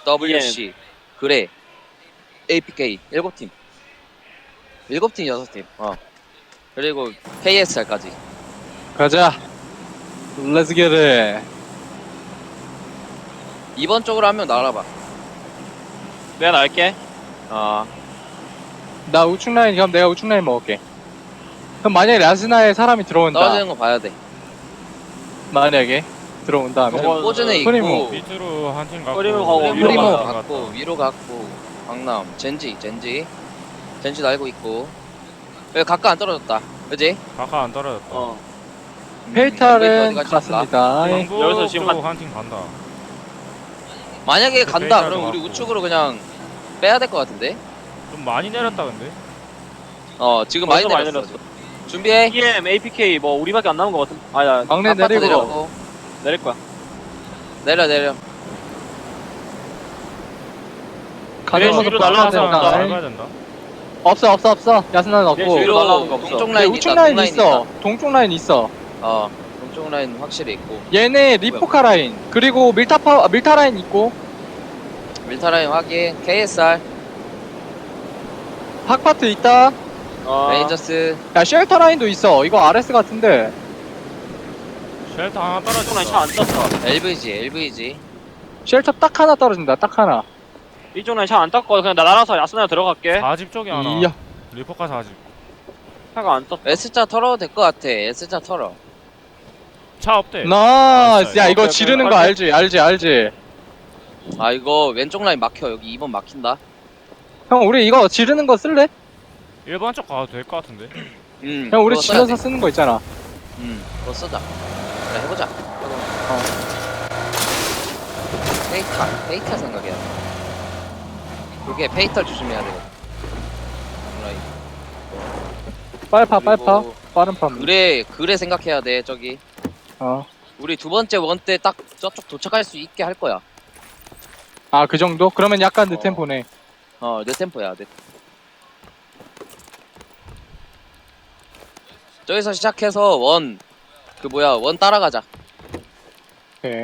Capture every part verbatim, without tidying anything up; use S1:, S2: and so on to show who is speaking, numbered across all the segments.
S1: 더블유씨, 그래, 에이피케이 일곱 팀. 일곱 팀 여섯 팀. 어. 그리고 케이에스알까지.
S2: 가자. Let's get it.
S1: 이번 쪽으로 한 명 날아봐.
S3: 내가 날게.
S1: 아,
S2: 나 우측 라인, 그럼 내가 우측 라인 먹을게. 그럼 만약에 라스나에 사람이 들어온다.
S1: 떨어지는 거 봐야 돼.
S2: 만약에 들어온다 하면.
S3: 저거-
S1: 포즈네
S2: 프리모.
S1: 있고,
S4: 밑으로 한 팀 가고
S3: 프리모 가고
S1: 프리모
S3: 위로
S2: 갔다
S1: 갔고, 위로 갔고, 강남, 젠지, 젠지. 젠지 날고 있고. 여기 가까 안 떨어졌다. 그지?
S4: 가까 안 떨어졌다.
S3: 어.
S1: 음,
S2: 페이탈은
S1: 어디까지 갔을까?
S2: 갔습니다.
S4: 영국
S3: 여기서 지금 한-
S4: 한팀 간다.
S1: 만약에
S4: 그
S1: 간다,
S4: 페이탈도
S1: 그럼 우리
S4: 갔고.
S1: 우측으로 그냥 빼야 될 것 같은데?
S4: 좀 많이 내렸다 근데.
S1: 어, 지금 많이
S3: 벌써 많이
S1: 내렸어.
S3: 내렸어.
S1: 준비해.
S3: 이엠, 에이피케이 뭐 우리밖에 안 남은 것 같은. 아야
S2: 막내
S1: 아파트
S2: 내리고.
S1: 내렸고.
S3: 내릴 거야.
S1: 내려, 내려.
S2: 가는
S3: 위로
S2: 모습
S3: 날라가서
S2: 봐야 된다.
S3: 나가야
S4: 나가야 된다.
S2: 없어 없어 없어. 야스나는 없고.
S3: 위로
S1: 위로
S3: 날라오는 거 없어.
S1: 동쪽
S2: 근데
S1: 라인
S2: 우측
S1: 있다,
S2: 라인
S1: 동라인
S2: 있어.
S1: 있다.
S2: 동쪽 라인 있어.
S1: 어, 동쪽 라인 확실히 있고.
S2: 얘네 리포카 라인 그리고 밀타파 밀타 라인 있고
S1: 밀타 라인 확인. 케이에스알,
S2: 학파트 있다.
S3: 어.
S1: 레인저스.
S2: 야 쉘터 라인도 있어. 이거 아르에스 같은데.
S4: 쉘터 하나
S3: 이쪽 라인
S4: 떨어졌다.
S3: 차안 떴어.
S1: 엘브이지, 엘브이지.
S2: 쉘터 딱 하나 떨어진다. 딱 하나.
S3: 이쪽 라인 차안 떴고 그냥 나 날아서 야스나 들어갈게.
S4: 사집 쪽에 하나.
S2: 이야.
S4: 리포카 사집.
S3: 차가 안 떴어.
S1: S자 털어도 될 것 같아. S자 털어.
S4: 차 없대.
S2: 나이스. 야 이거
S3: 오케이,
S2: 지르는
S3: 오케이.
S2: 거 알지? 알지? 알지?
S1: 아, 이거 왼쪽 라인 막혀. 여기 이 번 막힌다.
S2: 형 우리 이거 지르는 거 쓸래?
S4: 일 번 쪽 가도 될 것 같은데.
S1: 음.
S2: 형 우리
S1: 그거 써야
S2: 지르서
S1: 돼.
S2: 쓰는 거 있잖아.
S1: 음. 그거 쓰자. 그래, 해보자.
S2: 어.
S1: 페이탈. 페이탈 생각해야 돼. 그게 페이탈 조심해야 되거든. 라인.
S2: 빨파 빨파.
S1: 그리고
S2: 빠른 파.
S1: 그래, 그래 생각해야 돼. 저기.
S2: 어.
S1: 우리 두 번째 원 때 딱 저쪽 도착할 수 있게 할 거야.
S2: 아 그 정도? 그러면 약간 늦
S1: 어.
S2: 템포네.
S1: 어, 내 템포야. 내. 저기서 시작해서 원, 그 뭐야, 원 따라가자.
S2: 오케이.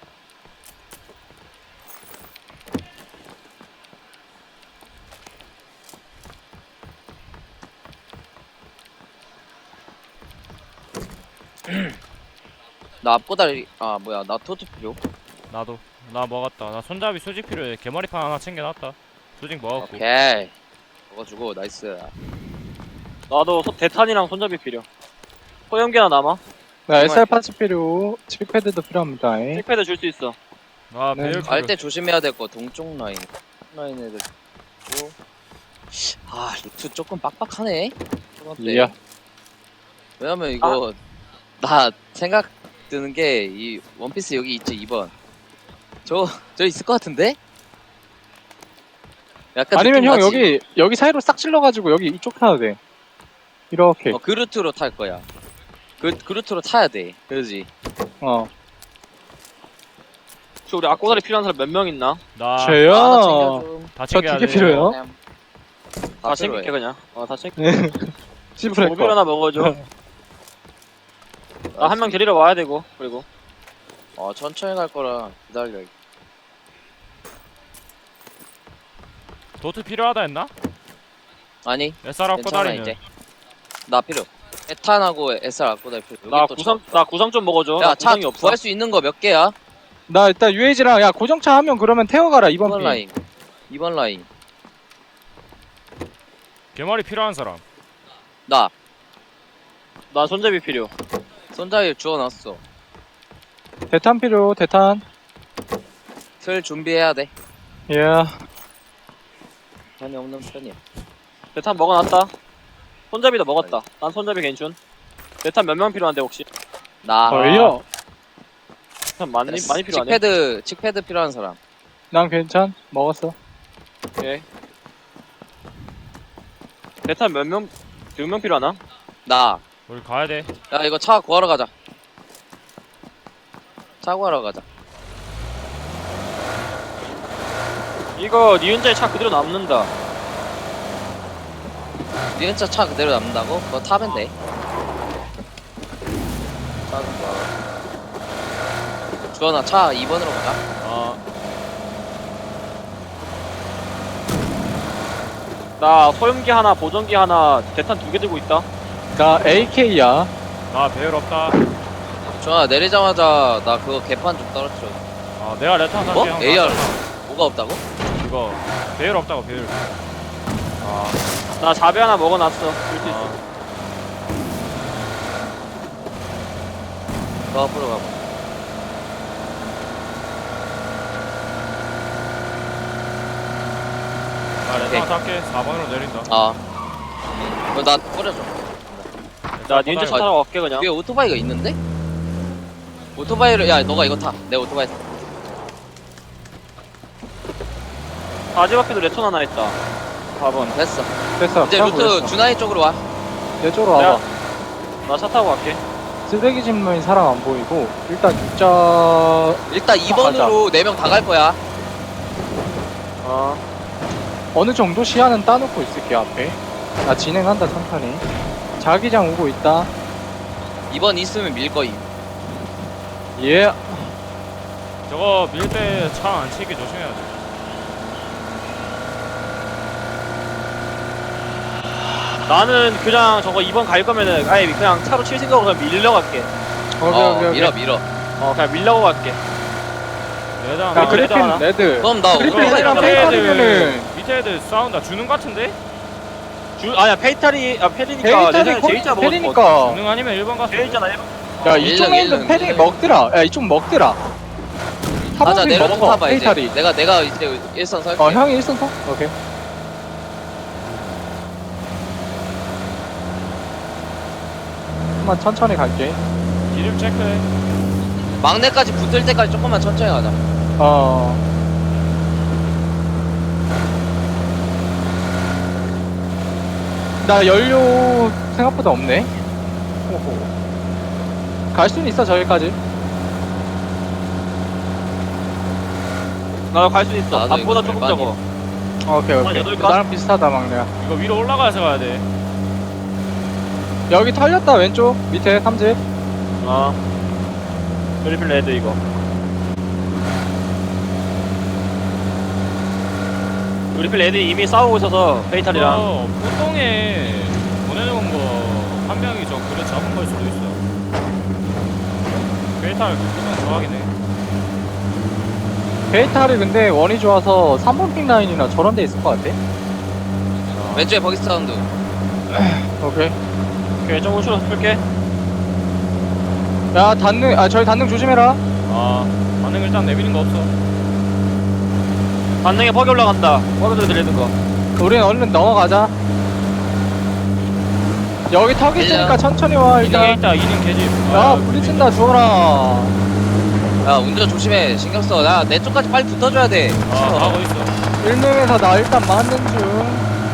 S1: 나 앞고다리, 아, 뭐야, 나 토트 필요.
S4: 나도. 나 먹었다. 나 손잡이 수직 필요해. 개머리판 하나 챙겨놨다. 수직 먹었고.
S1: 오케이. 먹어주고, 나이스.
S3: 나도 소- 대탄이랑 손잡이 필요. 소형기 하나 남아.
S2: 나 에스알 파츠 필요. 칠패드도 필요합니다. 예.
S3: 칠패드 줄 수 있어.
S4: 아
S2: 네.
S4: 배율
S1: 갈 때 조심해야 될 거, 동쪽 라인. 라인 애들. 있고. 아, 루트 조금 빡빡하네. 초반 때.
S2: 이야.
S1: 왜냐면 이거, 나 생각 드는 게, 이 원피스 여기 있지, 이 번. 저, 저 있을 것 같은데? 약간
S2: 아니면
S1: 느낌
S2: 형
S1: 나지?
S2: 여기 여기 사이로 싹 찔러가지고 여기 이쪽 타도 돼. 이렇게.
S1: 어, 그 루트로 탈 거야. 그, 그 루트로 타야 돼. 그러지?
S2: 어.
S3: 혹시 우리 앞고다리 필요한 사람 몇 명 있나?
S4: 나.
S2: 저요.
S1: 아, 하나 챙겨줘.
S4: 다
S2: 저
S4: 챙겨야
S2: 되게
S4: 돼.
S2: 필요해요.
S1: 다
S3: 다
S1: 필요해.
S3: 챙길게 그냥. 어, 다 챙겨.
S2: 시프레
S3: 모빌 하나 먹어줘. 나 한 명 데리러 와야 되고. 그리고
S1: 어, 천천히 갈 거라 기다려.
S4: 도트 필요하다 했나?
S1: 아니,
S4: 에스알 앞고
S1: 괜찮아
S4: 다리는.
S1: 이제. 나 필요. 에탄하고 에스알 갖고 다닐 필요.
S3: 나
S1: 여기 또
S3: 구상 나 구상 좀 먹어줘.
S1: 차-
S3: 나
S1: 야, 차
S3: 구상이 없어.
S1: 구할 수 있는 거 몇 개야?
S2: 나 일단 유에이지랑 야 고정차 하면 그러면 태워가라 이번
S1: 이번
S2: 피.
S1: 라인. 이번 라인.
S4: 개머리 필요한 사람.
S1: 나
S3: 나 손잡이 필요.
S1: 손잡이 주워놨어.
S2: 대탄 필요. 대탄.
S1: 틀 준비해야 돼.
S2: 예.
S1: 편이 없는 편이야.
S3: 대탄 먹어놨다. 손잡이도 먹었다. 난 손잡이 괜춘. 대탄 몇 명 필요한데 혹시?
S1: 나.
S2: 어이요.
S3: 대탄 많이 많이 필요하네.
S1: 칙패드 칙패드 필요한 사람.
S2: 난 괜찮. 먹었어.
S3: 오케이. 대탄 몇 명? 두 명 필요하나?
S1: 나.
S4: 우리 가야 돼.
S1: 야 이거 차 구하러 가자. 차 구하러 가자.
S3: 이거 니은자의 차 그대로 남는다.
S1: 니 진짜 차 그대로 남는다고? 그거 타면 돼. 차는 뭐. 주원아 차 이 번으로 가자.
S3: 아 나 소염기 하나, 보정기 하나, 대탄 두 개 들고 있다.
S2: 나 에이케이야.
S4: 나 배율 없다.
S1: 좋아 내리자마자 나 그거 개판 좀 떨어뜨려.
S4: 아 내가 레탄 살게.
S1: 뭐?
S4: 형.
S1: 에이알 뭐가 없다고?
S4: 이거 배율 없다고 배율.
S3: 아, 나 자배 하나 먹어놨어. 줄 수 있어.
S4: 아,
S1: 저 앞으로 가봐.
S4: 나
S1: 오케이.
S4: 레탄 살게. 사 번으로 내린다.
S1: 아 그거 나 뿌려줘.
S3: 나 닌자 차 타러 갈게 그냥.
S1: 위에 오토바이가 있는데? 오토바이를 야 너가 이거 타. 내 오토바이 타.
S3: 바지 앞에도 레톤 하나 있다. 사 번.
S1: 됐어.
S2: 됐어.
S1: 이제
S2: 타고
S1: 루트
S2: 있어.
S1: 준하이 쪽으로 와.
S2: 내 쪽으로 와봐.
S3: 나 차 타고 갈게.
S2: 쓰레기 집는 사람 안 보이고 일단 육자
S1: 일단 이 번으로 네 명 다 갈 거야.
S3: 어.
S2: 어느 정도 시야는 따놓고 있을게 앞에. 나 진행한다 천천히. 자기장 오고 있다.
S1: 이 번 있으면 밀 거임.
S2: 예.
S4: 저거 밀 때 차 안 치게 조심해야 돼.
S3: 나는 그냥 저거 이 번 갈 거면은 아예 그냥 차로 칠 생각으로 그냥 밀려 갈게.
S2: 오케이
S1: 어
S2: 오케이 오케이.
S1: 밀어 밀어.
S3: 어, 그냥 밀려고 갈게.
S4: 레단.
S2: 야
S3: 아,
S2: 그리핀
S3: 하나?
S2: 레드.
S1: 그럼 나
S2: 그리핀
S1: 오토바이
S2: 레드랑
S1: 타.
S2: 페이-
S4: 밑에
S2: 페이탈이면은-
S4: 애들 밑에 애들 싸운다. 주는 것 같은데?
S3: 주, 아니야, 페이탈이, 아, 페리니까.
S2: 페이탈이
S3: 내년에 제이자 먹었어.
S2: 페리니까.
S4: 주는 아니면 일 번 가서.
S3: 제이잖아, 일 번.
S2: 야
S1: 일
S2: 이쪽
S1: 등,
S2: 라인도
S1: 일 등,
S2: 페리
S1: 일 등.
S2: 먹더라. 야 이쪽 먹더라.
S1: 가자
S2: 사번핀
S1: 내려 좀
S2: 먹어.
S1: 타봐 이제.
S2: 페이탈이.
S1: 내가 내가 이제 일선 설게.
S2: 어 형이 일선 서? 오케이. 한번 천천히 갈게.
S4: 기름 체크해.
S1: 막내까지 붙을 때까지 조금만 천천히 가자.
S2: 어. 나 연료 생각보다 없네. 호호. 갈 수는 있어 저기까지.
S3: 나도 갈 수 있어.
S1: 나도
S3: 앞보다
S1: 이거
S3: 조금
S1: 절반이야.
S3: 적어.
S2: 오케이 오케이.
S3: 여덟 칸?
S2: 나랑 비슷하다 막내야.
S4: 이거 위로 올라가서 가야 돼.
S2: 여기 털렸다 왼쪽 밑에 삼집.
S3: 어. 그리핀 레드 이거. 그리핀 레드 이미 싸우고 있어서 페이탈이랑.
S4: 어, 보통에 보내놓은 거 한 명이 저 그래 잡은 걸 수도 있어. 베이탈 보통 좋아하긴 해.
S2: 베이탈이 근데 원이 좋아서 삼 번 픽 라인이나 저런 데 있을 것 같아.
S1: 왼쪽에 버기 사운드.
S2: 오케이.
S3: 오케이, 좀 우측으로 풀게.
S2: 야 단능 아 저기 단능 조심해라.
S4: 아, 반응 일단 내미는 거 없어.
S3: 반능에 버기 올라간다. 버기도 들리는 거.
S2: 우린 얼른 넘어가자. 여기 턱 있으니까
S1: 일단.
S2: 천천히 와
S4: 이능에
S2: 일단.
S4: 있다, 이능 개집.
S2: 야
S4: 아,
S2: 부딪힌다 죽어라.
S1: 야 운전 조심해. 신경 써. 야 내 쪽까지 빨리 붙어줘야 돼.
S4: 아, 가고 있어.
S2: 일 명에서 나 일단 맞는 중.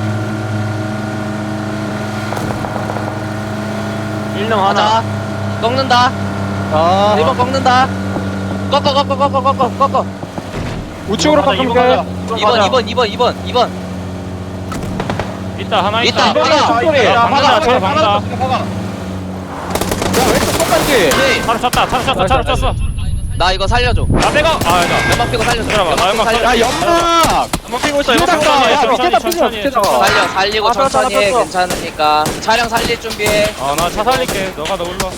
S3: 일 등 하나.
S1: 하나. 꺾는다.
S2: 아
S1: 일 번 꺾는다. 꺾어 꺾어 꺾어 꺾어 꺾어.
S2: 우측으로
S3: 가자, 이번
S2: 꺾을게.
S3: 가자.
S1: 이 번 이 번 이 번 이 번 이 번.
S4: 있다, 하나 있다.
S1: 있다,
S2: 이번에
S1: 박아.
S2: 속도리.
S4: 야, 박는다,
S2: 박아,
S4: 저
S2: 박아,
S4: 박는다.
S2: 박아. 야 왼쪽 끝까지.
S1: 네.
S4: 차로 쳤다, 차로 쳤어, 차로 쳤어.
S1: 나 이거 살려줘.
S4: 나 빼고. 아, 나.
S1: 연막 피고 살려줘.
S4: 들어봐, 나 연막
S1: 살려.
S2: 야 연막.
S3: 한번 피고 있어. 이거
S2: 밑에다가
S3: 피고
S2: 야
S3: 있어.
S2: 밑에다
S4: 천천히,
S2: 피자 밑에다가.
S1: 살려 살리고
S3: 아, 뺐어,
S1: 천천히 해.
S3: 뺐어.
S1: 괜찮으니까. 차량 살릴 준비해.
S4: 아, 나 차 살릴게. 너가 더 올라.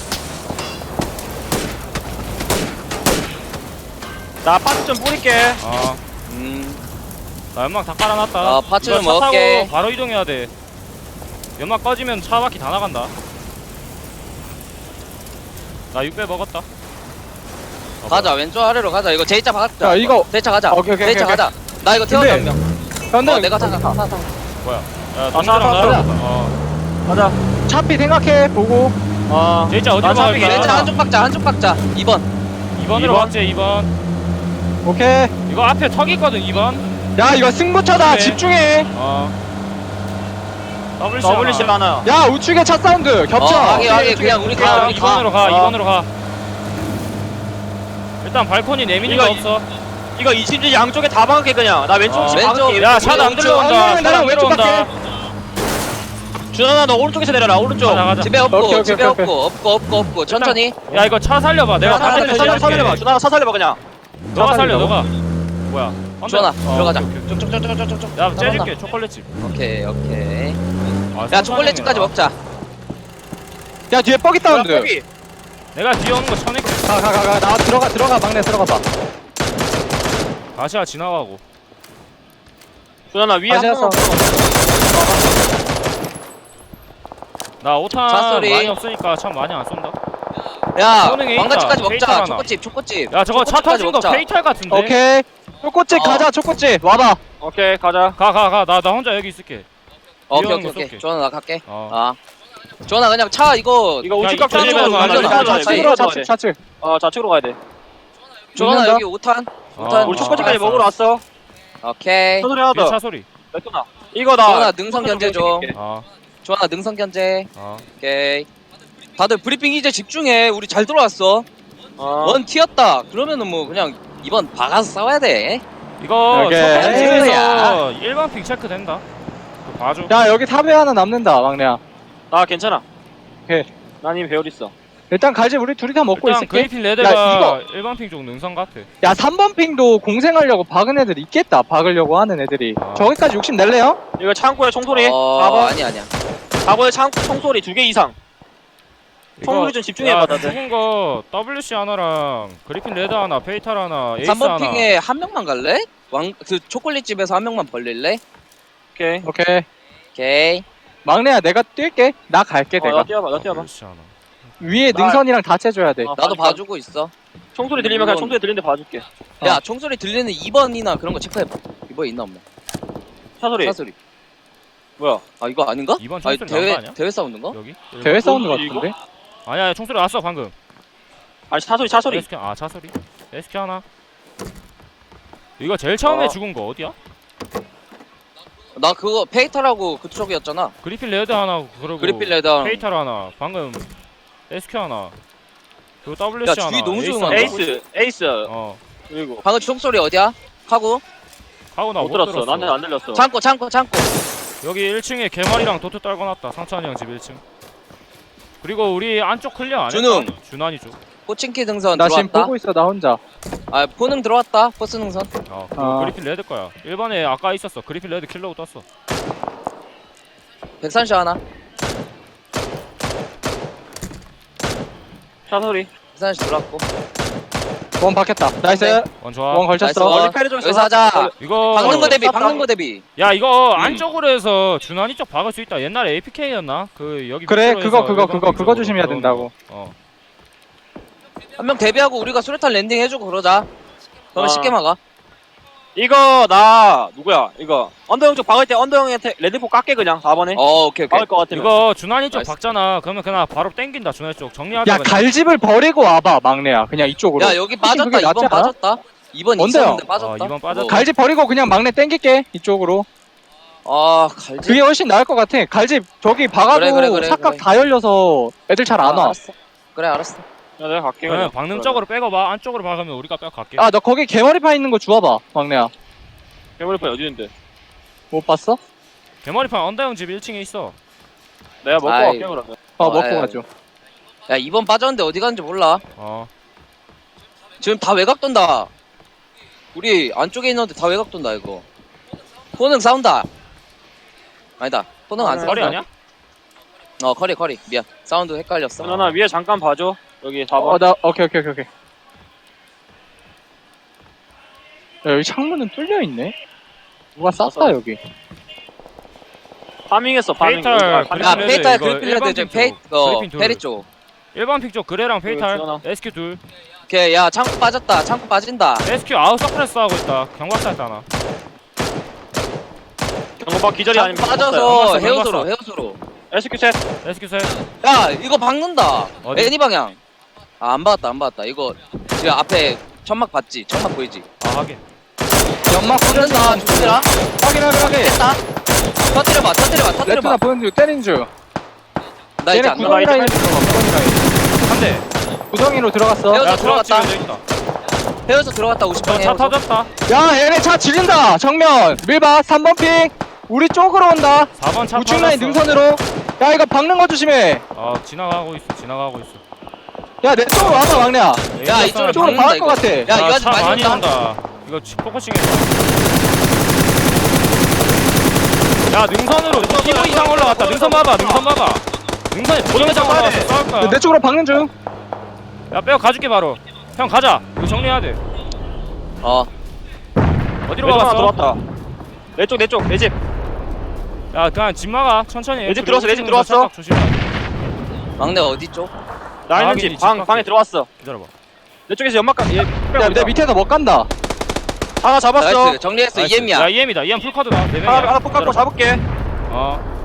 S3: 나 파츠 좀 뿌릴게.
S4: 아,
S1: 음.
S4: 나 연막 다 깔아놨다.
S1: 아, 파츠
S4: 이거
S1: 좀
S4: 차
S1: 먹을게.
S4: 타고 바로 이동해야 돼. 연막 꺼지면 차 바퀴 다 나간다. 나 육 배 먹었다. 어,
S1: 가자 왼쪽 아래로 가자. 이거 제이차 박자.
S2: 야, 이거-
S1: 제이차 가자.
S2: 오케이, 오케이,
S1: 제이차
S2: 오케이,
S1: 가자. 나 이거 태워줘 한
S2: 근데-
S1: 명.
S2: 근데
S1: 어, 내가 타자. 타, 타, 타.
S4: 뭐야? 야,
S3: 아,
S4: 동료랑
S3: 차, 차,
S4: 나랑.
S2: 차.
S4: 어.
S3: 가자.
S2: 차피 생각해 보고.
S3: 어.
S4: 제이자 어디로
S3: 나 차피
S4: 갈까?
S1: 제이차 한쪽 박자 한쪽 박자. 이 번.
S4: 이 번으로
S3: 이 번?
S4: 갔지, 이 번.
S2: 오케이.
S4: 이거 앞에 턱 있거든, 이 번.
S2: 야 이거 승부차다.
S4: 그래.
S2: 집중해.
S4: 어. 더블
S3: 더블리시 하나.
S2: 야 우측에 차 사운드 겹쳐.
S1: 어, 하게 하게 그냥 우리
S4: 아,
S1: 가.
S4: 이 번으로 가,
S3: 어.
S4: 이 번으로 가. 일단 발코니 내미는 거
S3: 이거
S4: 없어.
S3: 이거 이심지 양쪽에 다 박을게 그냥. 나 왼쪽
S4: 어.
S3: 집
S1: 왼쪽.
S3: 박을게.
S4: 야, 차도 안
S1: 왼쪽.
S4: 들어온다.
S2: 아니,
S4: 차도
S2: 나랑
S4: 안
S2: 왼쪽
S4: 들어온다.
S3: 준환아 너 오른쪽에서 내려라. 오른쪽.
S4: 가자, 가자.
S1: 집에 없고
S2: 오케이, 오케이,
S1: 집에
S2: 오케이,
S1: 없고 없고 없고 없고 천천히.
S4: 야, 이거 차 살려봐. 내가
S3: 차 살려,
S4: 바깥에
S3: 차 살려, 차 살려봐.
S4: 살릴게.
S3: 준환아 차 살려봐 그냥.
S4: 너가
S2: 차
S4: 살려,
S2: 살리라고?
S4: 너가. 뭐야? 언더.
S1: 주원아,
S4: 어,
S1: 들어가자.
S4: 오케이, 오케이.
S1: 쭉쭉쭉쭉쭉쭉.
S4: 야 째줄게 초콜릿집.
S1: 오케이, 오케이.
S4: 아,
S1: 야, 초콜릿집까지 먹자.
S2: 야 뒤에 뻑이 다운드.
S3: 야, 거기.
S4: 내가 뒤에 오는 거 쳐낼게.
S2: 가 가 가 가 나 들어가 들어가 막내 들어가 봐.
S4: 아시아 지나가고.
S3: 준아 위에 한
S2: 다시
S3: 번.
S4: 나 오탄
S1: 차 소리.
S4: 많이 없으니까 참 많이 안 쏜다.
S1: 야,
S4: 소능에
S1: 왕같이까지
S4: 있다. 페이탈
S1: 먹자.
S4: 하나.
S1: 초코집, 초코집.
S4: 야 저거 차
S1: 초코집까지
S4: 터진 거
S1: 먹자.
S4: 페이탈 같은데.
S2: 오케이. 초코집
S1: 어.
S2: 가자 초코집 와봐.
S3: 오케이 가자.
S4: 가 가 가 나 나 혼자 여기 있을게.
S1: 오케이,
S4: 위험한
S1: 오케이,
S4: 거
S1: 오케이.
S4: 쏠게.
S1: 주원아, 나 갈게.
S4: 어.
S1: 아. 주원아, 그냥 차 이거.
S3: 이거
S4: 야,
S3: 우측각
S4: 이쪽으로
S3: 조심해서
S1: 가자,
S3: 가자.
S1: 가자,
S3: 가자.
S2: 좌측으로 좌측 좌측.
S3: 어 좌측으로 가야 돼.
S1: 주원아,
S2: 죽는다?
S1: 여기 오 탄.
S4: 어,
S1: 우탄.
S3: 우리
S1: 어,
S3: 초코집까지
S4: 알았어,
S3: 먹으러 왔어.
S1: 오케이.
S3: 소리 하나
S4: 뒤에
S3: 더.
S4: 차 소리.
S3: 맥도나. 이거 나.
S1: 주원아, 능선 견제 좀.
S4: 어.
S1: 주원아, 능선 견제.
S4: 어.
S1: 오케이. 다들 브리핑 이제 집중해. 우리 잘 들어왔어.
S3: 어.
S1: 원 튀었다. 그러면은 뭐 그냥 이번 박아서 싸워야 돼.
S4: 이거
S2: 오케이.
S4: 초콜릿집에서 일반 픽 체크 된다. 그거 봐줘.
S2: 야 여기 탑에 하나 남는다 막내야.
S3: 나 괜찮아.
S2: 오케이.
S3: 난 이미 배울 있어.
S2: 일단 갈집 우리 둘이 다 먹고
S4: 일단
S2: 있을게.
S4: 그리핀 레드가 일반 픽 쪽 능선 같아.
S2: 야 삼 번 핑도 공생하려고 박은 애들 있겠다. 박으려고 하는 애들이.
S4: 아.
S2: 저기까지 욕심 낼래요?
S3: 이거 창고에 총소리.
S1: 어,
S3: 사 번.
S1: 아니 아니야.
S3: 사 번에 창 총소리 두 개 이상. 총소리 좀 집중해봐
S4: 야,
S3: 다들.
S4: 죽은 거 더블유씨 하나랑 그리핀 레드 하나, 페이탈 하나, 에이스
S1: 삼 번
S4: 하나.
S1: 핑에 한 명만 갈래? 왕 그 초콜릿 집에서 한 명만 벌릴래?
S3: 오케이.
S2: 오케이.
S1: 오케이.
S2: 막내야 내가 뛸게. 나 갈게
S3: 어,
S2: 내가.
S3: 나 뛰어봐. 나 뛰어봐.
S4: 더블유씨 하나.
S2: 위에
S3: 나-
S2: 능선이랑 다 채줘야 돼.
S3: 어,
S1: 나도
S3: 봐줄게.
S1: 봐주고 있어.
S3: 총소리 들리면 그냥
S1: 물론-
S3: 총소리 들리는데 봐줄게.
S2: 어.
S1: 야, 총소리 들리는 이 번이나 그런 거 체크해봐. 이번에 있나 없나?
S3: 차 소리.
S1: 사소리.
S3: 뭐야?
S1: 아, 이거 아닌가?
S4: 이번
S1: 아니,
S4: 총소리 나온 거
S1: 대회
S4: 아니야?
S1: 대회 싸우는 거?
S4: 여기?
S2: 대회 사운드
S3: 어, 이거?
S2: 같은데?
S4: 아니야, 아니야, 총소리 왔어 방금.
S3: 아니 차 소리 차 소리.
S4: 에스큐 아 차소리. 에스큐 하나. 이거 제일 처음에
S3: 어.
S4: 죽은 거 어디야?
S1: 나 그거 페이탈하고 그쪽이었잖아.
S4: 그리핀 레드 하나 그리고
S1: 그리핀 레드랑.
S4: 페이탈 하나. 방금 에스큐 하나. 그리고
S1: 야,
S4: 더블유씨 하나.
S1: 주위 너무
S4: 에이스
S1: 조용하다.
S4: 하나.
S3: 에이스 에이스.
S4: 어.
S3: 그리고
S1: 방금 총소리 어디야? 하고.
S4: 하고
S3: 못
S4: 나못
S3: 들었어.
S4: 들었어.
S3: 나는 안 들렸어.
S1: 창고, 창고, 창고.
S4: 여기 일 층에 개머리랑 도트 떨궈놨다. 상찬이 형 집 일 층. 그리고 우리 안쪽 클리어 안 했다.
S1: 준웅.
S4: 준환이 쪽.
S1: 호칭키 등선
S2: 나 지금
S1: 들어왔다.
S2: 보고 있어 나 혼자.
S1: 아, 포능 들어왔다. 포스 능선.
S4: 어.
S2: 아.
S4: 그리핀 레드 거야. 일 번에 아까 있었어. 그리핀 레드 킬러고 떴어.
S1: 백삼십 하나.
S3: 차 소리.
S1: 백삼십 들어왔고.
S2: 원 박혔다. 나이스.
S1: 네.
S4: 원 좋아.
S2: 원
S1: 나이스
S2: 걸쳤어.
S1: 원.
S3: 멀리 패를 좀
S1: 여기서 하자.
S4: 이거
S1: 박는 거 대비,
S3: 어,
S1: 박는 거 대비.
S4: 야 이거
S1: 음.
S4: 안쪽으로 해서 준환이 쪽 박을 수 있다. 옛날에 에이피케이였나? 그 여기
S2: 그래
S4: 밑으로
S2: 그거
S4: 해서
S2: 그거
S4: 일반
S2: 그거 그거
S4: 쪽으로
S2: 조심해야
S4: 들어오는
S2: 된다고.
S4: 거. 어.
S1: 한 명 데뷔하고 우리가 수류탄 랜딩 해주고 그러자. 그러면
S3: 아.
S1: 쉽게 막아.
S3: 이거 나 누구야? 이거 언더형 쪽 박을 때 언더형한테 레드포 깎게 그냥 사 번에.
S1: 어, 오케이, 오케이.
S3: 박을 것 같으면.
S4: 이거 준환이 쪽
S1: 나이스.
S4: 박잖아. 그러면 그냥 바로 땡긴다. 준환이 쪽 정리하자.
S2: 야
S4: 그냥.
S2: 갈집을 버리고 와봐 막내야. 그냥 이쪽으로.
S1: 야, 여기
S2: 훨씬
S1: 빠졌다.
S2: 그게
S1: 이 번
S2: 낫지 않아?
S1: 빠졌다. 이 번
S2: 뭔데요?
S1: 있었는데 빠졌다.
S4: 어, 이번 빠졌다.
S1: 뭐.
S2: 갈집 버리고 그냥 막내 땡길게 이쪽으로.
S1: 아, 갈지.
S2: 그게 훨씬 나을 것 같아. 갈집 저기 박아도
S1: 그래, 그래, 그래,
S2: 삭각
S1: 그래.
S2: 다 열려서 애들 잘 안
S1: 아,
S2: 와.
S1: 알았어. 그래, 알았어.
S3: 야, 내가 갈게.
S4: 그냥
S3: 그냥.
S4: 박는 쪽으로 빼고 봐. 안쪽으로 박으면 우리가 빼고 갈게.
S2: 아 너 거기 개머리판 있는 거 주워봐 막내야.
S3: 괴물파 어디 있는데?
S2: 못 봤어?
S4: 개머리판 언더형 집 일 층에 있어.
S3: 내가 먹고
S1: 아이.
S3: 갈게 그러면.
S2: 어
S1: 어,
S2: 먹고
S1: 아이,
S2: 가죠.
S1: 야, 이 번 빠졌는데 어디 갔는지 몰라.
S4: 어.
S1: 지금 다 외곽 돈다. 우리 안쪽에 있는데 다 외곽 돈다, 이거. 포능 싸운다. 아니다. 포능 안
S3: 아,
S1: 싸운다.
S4: 머리 아니야?
S1: 어, 커리, 커리. 미안. 사운드 헷갈렸어.
S3: 누나 위에 잠깐 봐줘. 여기 사 번.
S2: 어 나 오케이 오케이 오케이 오케이. 야 여기 창문은 뚫려 있네. 누가 쌌다 여기.
S3: 파밍했어 파밍.
S4: 페이탈,
S3: 여기, 아, 파밍.
S1: 야,
S4: 그리핀
S1: 페이탈
S4: 이거
S1: 그리핀 레드
S4: 일반
S1: 지금
S4: 쪽,
S1: 페이, 어,
S4: 그리핀 둘.
S1: 페리 쪽.
S4: 일반 픽 쪽 그래랑 페이탈.
S3: 지원아.
S4: 에스큐 둘.
S1: 오케이, 야, 창고 빠졌다. 창고 빠진다.
S4: 에스큐 아웃 서프레스 하고 있다. 경박사 했잖아.
S3: 경고박 기절이
S1: 창고
S3: 아니면
S1: 빠져서
S4: 경박사,
S1: 헤어소로,
S4: 경박사.
S1: 헤어소로.
S3: 에스큐 셋.
S4: 에스큐 셋.
S1: 야, 이거 박는다.
S4: 어디?
S1: 애니 방향. 아, 안 받았다, 안 받았다. 이거 지금 앞에 천막 봤지? 천막 보이지?
S4: 아 하긴.
S2: 연막
S1: 터진다,
S2: 뿌린다.
S1: 죽더라.
S2: 확인 확인 확인.
S1: 됐다. 터뜨려봐, 터뜨려봐,
S2: 레트나
S1: 터뜨려봐.
S2: 보는 중 때린 중.
S1: 나 이제
S2: 얘네
S1: 안 나와.
S2: 구덩이 라인 들어가. 구덩이 라인.
S4: 한 대.
S2: 구덩이로 들어갔어.
S1: 헤어져
S4: 야
S1: 들어갔다.
S4: 들어갔다. 있다.
S1: 헤어서 들어갔다, 오십 방에
S4: 차
S1: 헤어서.
S4: 터졌다.
S2: 야 얘네 차 지른다. 정면. 밀봐. 삼 번 핑. 우리 쪽으로 온다.
S4: 사 번 차
S2: 우측
S4: 터졌어.
S2: 라인 능선으로. 야 이거 박는 거 조심해.
S4: 어 지나가고 있어. 지나가고 있어.
S2: 야 내 쪽으로 와봐 막내야.
S1: 야, 이쪽으로
S2: 이쪽으로
S1: 박는다,
S2: 박을 것
S1: 이거.
S2: 같아.
S1: 야, 이거 아직
S4: 차
S1: 많이
S4: 많이
S1: 온다.
S4: 온다. 이거 이거 치- 포커싱해봐. 야 능선으로 이십 이상 올라갔다. 능선 봐봐. 능선 봐봐. 능선에 보정 이상 올라갔어. 싸울 거야.
S2: 내 쪽으로 박는 중.
S4: 야 빼고 가줄게 바로. 형 가자. 이거 정리해야 돼.
S1: 어
S4: 어디로
S3: 내 쪽 하나
S4: 가봤어?
S3: 들어왔다. 내 쪽 내 쪽 내 집.
S4: 야 그냥 집 막아. 천천히 해.
S3: 내집
S4: 그리고
S3: 들어왔어, 내집
S4: 오른쪽으로
S3: 들어왔어.
S4: 살짝 조심해야 돼.
S1: 막내 어디 쪽?
S3: 나 있는
S4: 확인이
S3: 집 방
S4: 집
S3: 방에
S4: 밖에.
S3: 들어왔어.
S4: 기다려봐.
S3: 내 쪽에서 연막가 얘
S2: 야,
S3: 빼고
S2: 내 밑에서 못 간다.
S3: 하나 잡았어.
S1: 나이스 정리했어
S4: 나이스.
S1: 이엠이야
S4: 야 이엠이다. 이엠 풀카드다. 네
S3: 하나
S4: 명이야.
S3: 하나 뽑고 잡을게.
S4: 어.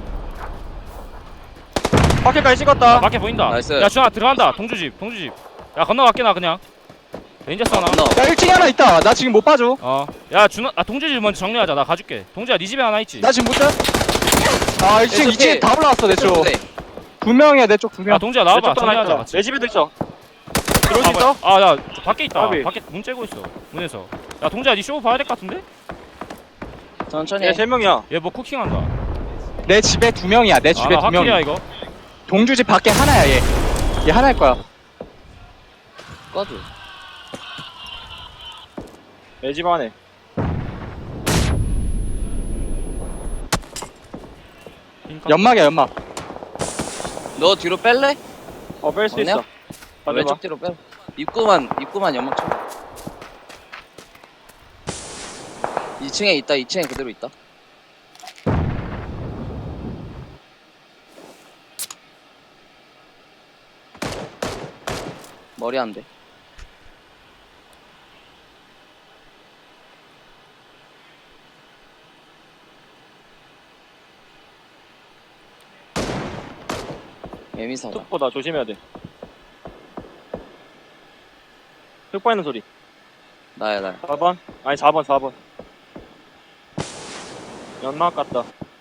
S3: 밖에까지
S4: 아,
S3: 찍었다.
S4: 밖에 보인다.
S1: 나이스.
S4: 야 준아 들어간다. 동주집. 동주집. 야 건너갈게 나 그냥. 레인저스 하나.
S1: 너
S2: 야, 일 층에 하나 있다. 나 지금 못 봐줘.
S4: 어. 야 준아 아 동주집 먼저 정리하자. 나 가줄게. 동주야 네 집에 하나 있지.
S2: 나 지금 못 자. 아, 일 층, 이 층에 다 올라왔어, 내 쪽. 두 명이야, 내 쪽 두
S4: 야
S2: 명.
S4: 동주야
S3: 내
S4: 나와봐.
S3: 쪽도 하나
S4: 정리하자
S3: 있다.
S4: 같이.
S3: 내 집에도 있어. 들어올 수
S4: 아,
S3: 있어?
S4: 뭐야? 아, 야, 저 밖에 있다.
S3: 까비.
S4: 밖에 문 째고 있어. 문에서. 야, 동자야, 니 쇼 봐야 될 것 같은데?
S1: 천천히
S3: 얘세 명이야.
S4: 얘 뭐 쿠킹한다.
S2: 내 집에 두 명이야, 내 집에
S4: 아,
S2: 두 명.
S4: 확실이야 이거.
S2: 동주집 밖에 하나야, 얘. 얘 하나일 거야.
S1: 꺼줘
S3: 내 집 안에.
S4: 핑카.
S2: 연막이야, 연막.
S1: 너 뒤로 뺄래?
S3: 어 뺄 수
S1: 막내야?
S3: 있어. 가져봐.
S1: 왼쪽 뒤로 빼 입구만 입구만 연막 쳐 이 층에 있다 이 층에 그대로 있다 머리 안돼 애미사다
S3: 툭보다 조심해야 돼. 흙 빠이는 소리.
S1: 나야 나야
S3: 사 번? 아니 사 번 사 번. 연막 같다.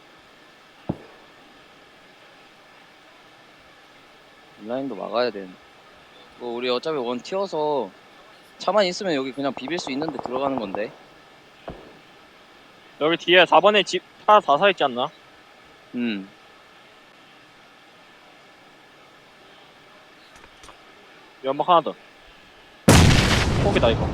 S1: 온라인도 막아야 되는데 뭐 우리 어차피 원 튀어서 차만 있으면 여기 그냥 비빌 수 있는데 들어가는 건데
S3: 여기 뒤에 사 번에 집 하나 다 사 있지 않나?
S1: 음
S3: 연막 하나 더. 포기다 이거.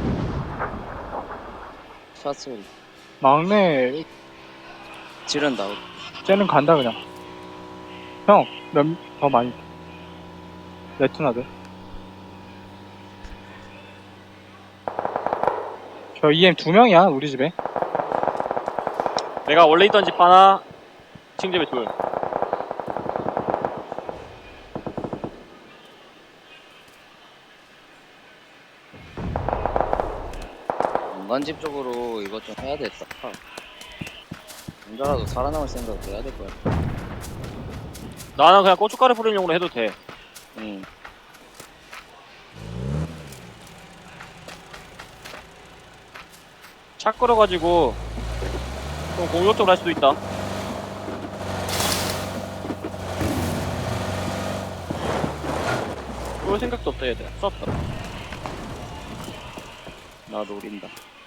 S1: 샷소리
S2: 막내,
S1: 지른다
S2: 쟤는 간다, 그냥. 형, 몇, 더 많이. 레투나들. 저 이엠 두 명이야, 우리 집에.
S3: 내가 원래 있던 집 하나, 층집에 둘.
S1: 연관집 쪽으로 이것 좀 해야 되겠다 혼자라도 살아남을 생각을 해야 될 거야
S3: 나는 그냥 고춧가루 뿌리용으로 해도 돼.
S1: 응
S3: 차 끌어가지고 좀 공격적으로 할 수도 있다. 그럴 생각도 없다 얘들. 썼다.
S1: 나 노린다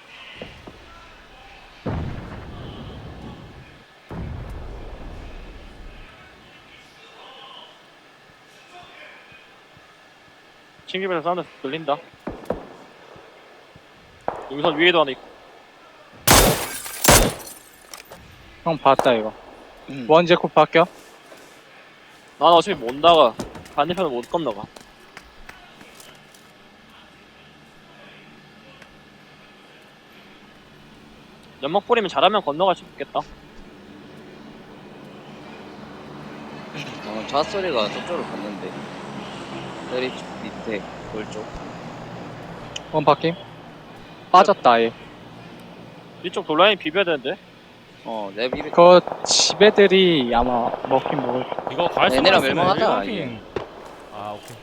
S3: 층집에서 사운드 들린다. 여기서 위에도 하나 있고.
S2: 형 봤다, 이거.
S1: 음.
S2: 원제코 바뀌어?
S3: 나는 어차피 못 나가. 반대편은 못 건너가. 연막 뿌리면 잘하면 건너갈 수 있겠다.
S1: 어, 샷소리가 저쪽으로 갔는데 다리 쪽 밑에 돌쪽
S2: 원 바뀜? 빠졌다, 아예.
S3: 이쪽 돌라인 비벼야 되는데.
S1: 어내 비비
S2: 그 집애들이 아마 먹긴 먹을.
S4: 이거 갈수
S1: 얘네랑
S4: 있으면
S1: 멸망하자,
S4: 일반핑. 아 오케이.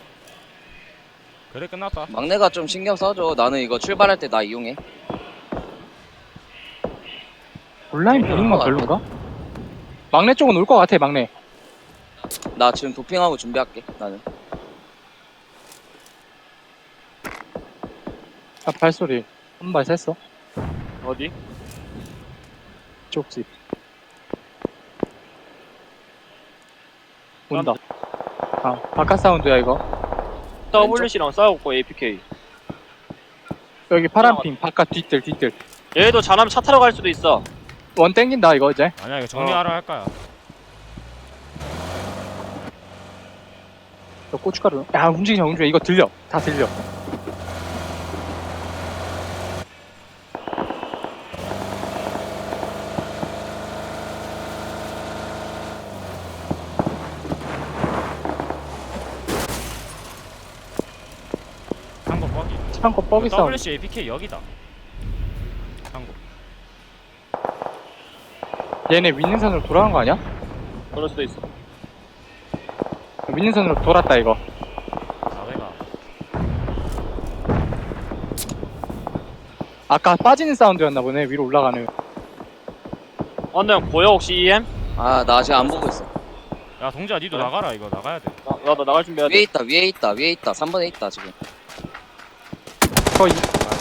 S4: 그래 끝났다.
S1: 막내가 좀 신경 써줘 나는 이거 출발할 때 나 이용해
S2: 온라인 비링만 별론가? 막내 쪽은 올 것 같아, 막내.
S1: 나 지금 도핑하고 준비할게 나는
S2: 아, 발소리. 한 발 셌어.
S3: 어디?
S2: 이쪽 집. 온다. 아, 바깥 사운드야, 이거.
S3: 더블유씨랑 싸우고 에이피케이.
S2: 여기 파란핑 바깥 뒤뜰 뒤뜰.
S3: 얘도 잘하면 차 타러 갈 수도 있어.
S2: 원 땡긴다 이거 이제.
S4: 아니야 이거 정리하러 할 거야.
S2: 저 고춧가루. 야 움직이자 움직여. 이거 들려. 다 들려.
S4: 한거 뻑이.
S2: 창고 뻑이 싸움.
S4: 더블유씨 에이피케이 여기다. 한거.
S2: 얘네 윈능선으로 돌아간 거 아니야?
S3: 그럴 수도 있어.
S2: 윈능선으로 돌았다 이거.
S4: 나वे가.
S2: 아까 빠지는 사운드였나 보네. 위로 올라가는.
S3: 언더 형 보여 혹시 이엠?
S1: 아, 나 아직 안 보고 있어.
S4: 야 동지야 니도
S3: 그래?
S4: 나가라 이거 나가야 돼.
S3: 나, 나, 나 나갈 준비해야
S1: 위에
S3: 돼.
S1: 있다, 위에 있다, 위에 있다. 삼 번에 있다, 지금.
S2: 거의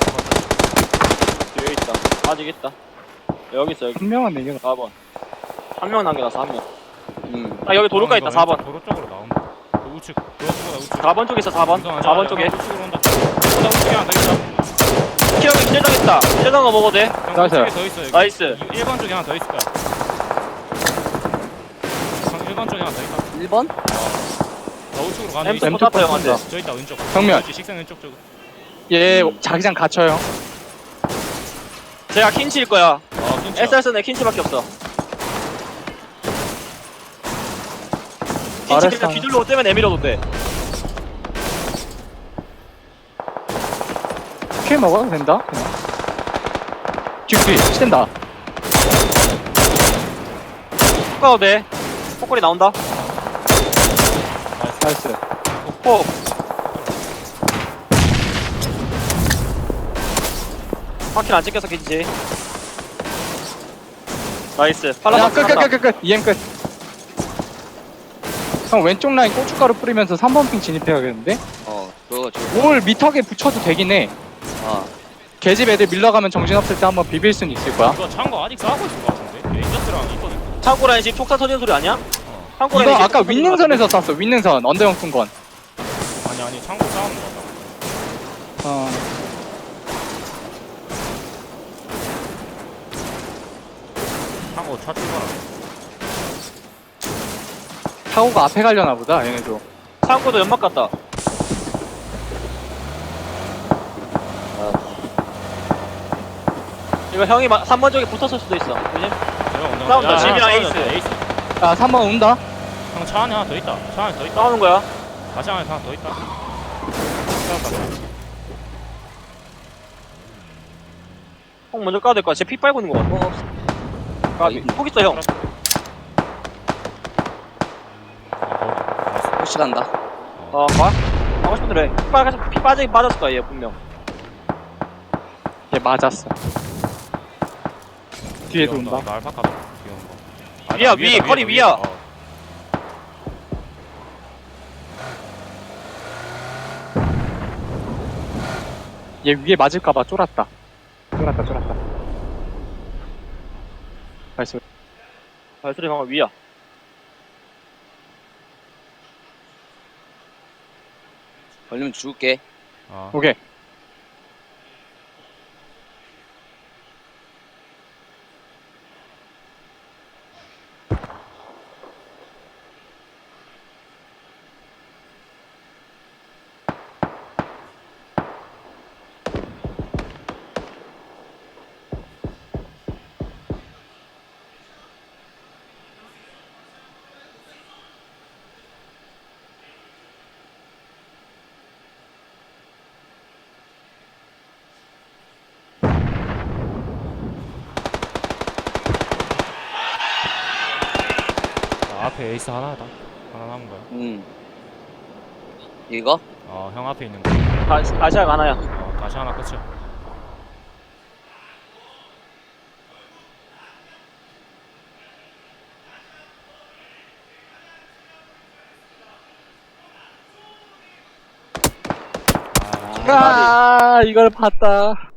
S3: 뒤에 있다. 아직 있다. 여기 있어 여기.
S2: 한 명은 내겨.
S3: 사 번. 한 명 남겨놨어 한 명.
S1: 음.
S3: 아 여기 도로가 있다 사 번.
S4: 도로 쪽으로 나온다. 그 우측. 도로 쪽으로 우측.
S3: 사 번 쪽에 있어 사 번. 사 번 쪽에.
S4: 우측으로 온다. 온다 우측에 하나 더 있다.
S3: 키형이 기절당 있다. 기절당 거 먹어도 돼?
S4: 형,
S2: 나이스.
S4: 우측에 더 있어 여기.
S3: 나이스.
S4: 일 번 쪽에 하나 더 있을 거야. 형, 일 번 쪽에 하나 더 있다.
S1: 일 번?
S4: 나 우측으로 가는
S3: 엠스
S4: 데
S2: 엠
S3: 포
S2: 투
S3: 탔다 형한테.
S2: 쏜다.
S4: 저 있다 왼쪽.
S2: 정면.
S4: 그렇지, 식생 왼쪽 쪽.
S2: 얘
S1: 음.
S2: 자기장 갇혀요.
S3: 제가 킨치일 거야.
S4: 어 킨치야.
S3: 에스알스는 킨치밖에 없어. 킨치
S2: 알았어.
S3: 그냥 뒤돌로 떼면 내밀어도 돼.
S2: 킬 먹어도 된다. 뒤뒤 시된다.
S3: 훅 가도 돼. 폭거리 나온다.
S2: 나이스.
S3: 폭. 바퀴는 안 찍혀서 킨치. 나이스.
S2: 야,
S3: 팔라스
S2: 끝, 끝, 끝, 끝, 끝. 이엠 끝. 형, 왼쪽 라인 고춧가루 뿌리면서 삼 번 핑 진입해야겠는데?
S1: 어, 그거 좀.
S2: 뭘 미터게 붙여도 되긴 해.
S1: 아,
S2: 계집 애들 밀러가면 정신없을 때 한번 비빌 순 있을 거야.
S4: 이거 창고 아직 싸우고 있을 것 같은데. 레인저스랑 있거든.
S3: 창고 라인 지금 촉사 터지는 소리 아니야?
S4: 어.
S3: 창고
S2: 이거
S3: 라인
S2: 아까 윈능선에서 쐈어, 윈능선. 언더형 쏜 건.
S4: 아니 아니 창고 싸우는 거 같다.
S2: 어.
S4: 창고 차 출발.
S2: 타고가 앞에 가려나 보다, 얘네도.
S3: 창고도 연막 같다. 이거 형이 삼 번 쪽에 붙었을 수도 있어. 그지?
S4: 내가 먼저
S3: 싸운다,
S4: 야, 야,
S3: 집이랑
S4: 싸우자,
S3: 에이스.
S4: 에이스.
S2: 아, 삼 번 온다.
S4: 형 차 안에 하나 더 있다. 차 안에 더 있다.
S3: 싸우는 거야.
S4: 다시 안에 하나 더 있다. 싸웠다.
S3: 형 먼저 까도 될 거야. 쟤 피 빨고 있는 거 같아.
S1: 어,
S3: 까비. 폭 있어 형.
S4: 아,
S1: 혹시 간다.
S3: 어, 봐. 하고 싶은 대로 해. 피 빠져, 피 빠지긴 빠졌을 거야 얘 분명.
S2: 얘 맞았어. 뒤에도
S4: 거기.
S2: 온다.
S4: 나 알파카도 귀여운 거. 아,
S3: 위야,
S4: 나
S3: 위,
S4: 위에다,
S3: 허리
S4: 위에다,
S3: 위야.
S4: 위에다. 어.
S2: 얘 위에 맞을까봐 쫄았다. 쫄았다, 쫄았다. 나이스.
S3: 발소리 방금 위야.
S1: 걸리면 죽을게.
S4: 어.
S2: 오케이.
S4: 아, 앞에 에이스 하나다. 하나 남은 거야.
S1: 음. 이거?
S4: 어, 형 앞에 있는 거.
S3: 다, 다시아가 하나야.
S4: 어, 다시 하나 끝이야.
S3: 아,
S2: 아, 이걸 봤다.